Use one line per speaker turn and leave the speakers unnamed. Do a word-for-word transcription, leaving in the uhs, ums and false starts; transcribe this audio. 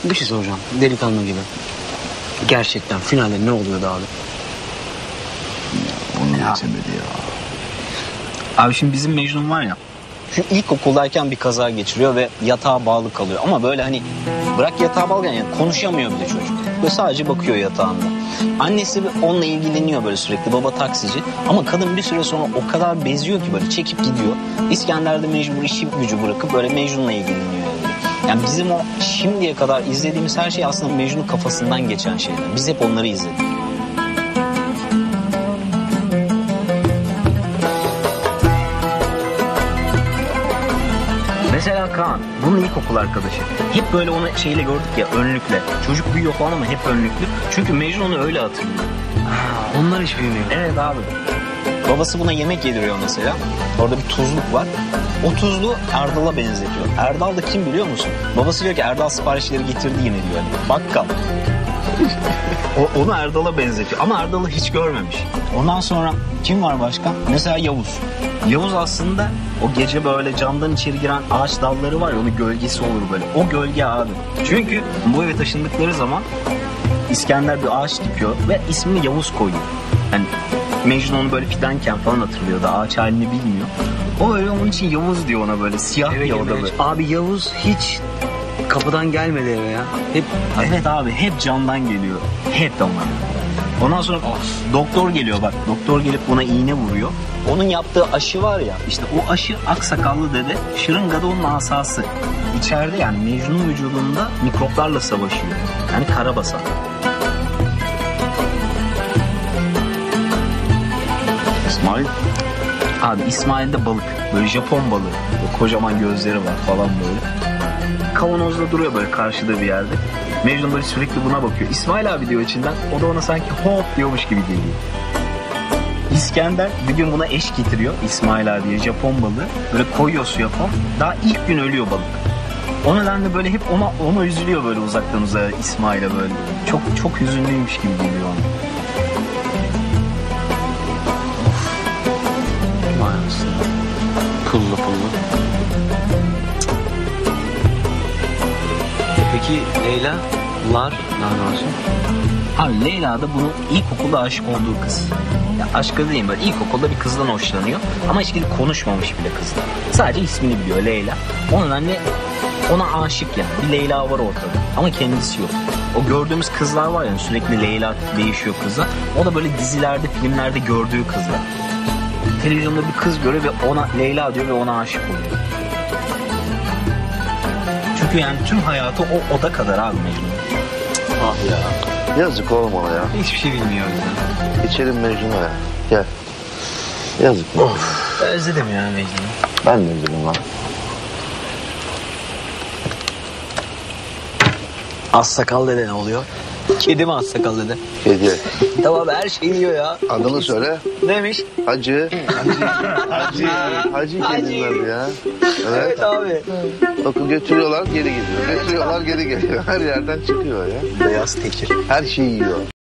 Bir şey soracağım. Delikanlı gibi. Gerçekten finalde ne oluyordu abi?
Onu geçemedi ya.
Abi şimdi bizim Mecnun var ya. Şu ilkokuldayken bir kaza geçiriyor ve yatağa bağlı kalıyor. Ama böyle hani bırak yatağa bağlı yani konuşamıyor bile çocuk. Böyle sadece bakıyor yatağında. Annesi onunla ilgileniyor böyle sürekli. Baba taksici. Ama kadın bir süre sonra o kadar beziyor ki böyle çekip gidiyor. İskender de mecbur işi gücü bırakıp böyle Mecnun'la ilgileniyor. Yani. yani bizim o şimdiye kadar izlediğimiz her şey aslında Mecnun'un kafasından geçen şeyler. Biz hep onları izledik. Mesela Kaan, bunun ilkokul arkadaşı. Hep böyle onu şeyle gördük ya, önlükle. Çocuk büyüyor falan ama hep önlüklü. Çünkü Mecnun onu öyle hatırlıyor.
Ha, onlar hiç bilmiyor.
Evet abi. Babası buna yemek yediriyor mesela. Orada bir tuzluk var. O tuzluğu Erdal'a benzetiyor. Erdal da kim biliyor musun? Babası diyor ki Erdal siparişleri getirdi yine diyor. Yani bakkal. o, onu Erdal'a benzetiyor. Ama Erdal'ı hiç görmemiş. Ondan sonra kim var başka? Mesela Yavuz. Yavuz aslında o gece böyle camdan içeri giren ağaç dalları var ya, onun gölgesi olur böyle. O gölge abi. Çünkü bu eve taşındıkları zaman İskender bir ağaç dikiyor ve ismini Yavuz koyuyor. Yani Mecnun onu böyle fidanken falan hatırlıyor da ağaç halini bilmiyor. O öyle onun için Yavuz diyor ona böyle siyah
Eve
diyor o da böyle.
Abi Yavuz hiç kapıdan gelmedi eve ya. Hep
Evet abi hep camdan geliyor. Hep ama. Ondan sonra doktor geliyor bak. Doktor gelip buna iğne vuruyor. Onun yaptığı aşı var ya, işte o aşı aksakallı dede, şırıngada onun asası. İçeride yani Mecnun vücudunda mikroplarla savaşıyor. Yani karabasan.
İsmail.
Abi İsmail'de balık. Böyle Japon balığı. Böyle kocaman gözleri var falan böyle. Kavanozda duruyor böyle karşıda bir yerde. Mecnun böyle sürekli buna bakıyor. İsmail abi diyor içinden. O da ona sanki hop diyormuş gibi geliyor. İskender bir gün buna eş getiriyor. İsmail abiye Japon balığı. Böyle koyuyor suya falan. Daha ilk gün ölüyor balık. O nedenle böyle hep ona ona üzülüyor böyle uzaktan uzağa İsmail'e böyle. Çok çok hüzünlüymüş gibi geliyor ona.
vay aslında. Pullu pullu. E peki Leyla'lar ne olsun?
Abi Leyla da bunun ilkokulda aşık olduğu kız. Ya aşkı değil böyle ilkokulda bir kızdan hoşlanıyor. Ama hiç gidip konuşmamış bile kızla. Sadece ismini biliyor Leyla. O nedenle ona aşık yani. Bir Leyla var ortada. Ama kendisi yok. O gördüğümüz kızlar var ya sürekli Leyla değişiyor kızla. O da böyle dizilerde, filmlerde gördüğü kızlar. Televizyonda bir kız görüyor ve ona Leyla diyor ve ona aşık oluyor. Çünkü yani tüm hayatı o oda kadar abi Mecnun.
Ah ya.
Yazık oğlum ona ya.
Hiçbir şey bilmiyor ya.
İçelim Mecnun'a ya. Gel. Yazık mı?
Özledim ya Mecnun'u.
Ben de üzüldüm lan.
Az sakal dede ne oluyor? Kedi mi az sakal dede?
Kedi.
Tamam her şeyi yiyor ya.
Adını söyle.
Neymiş?
Hacı. Hacı. Hacı. Hacı kedinin adı ya. Evet.
Evet abi.
Bakın götürüyorlar geri geliyor. Götürüyorlar geri geliyor. Her yerden çıkıyor ya.
Beyaz tekir.
Her şeyi yiyor.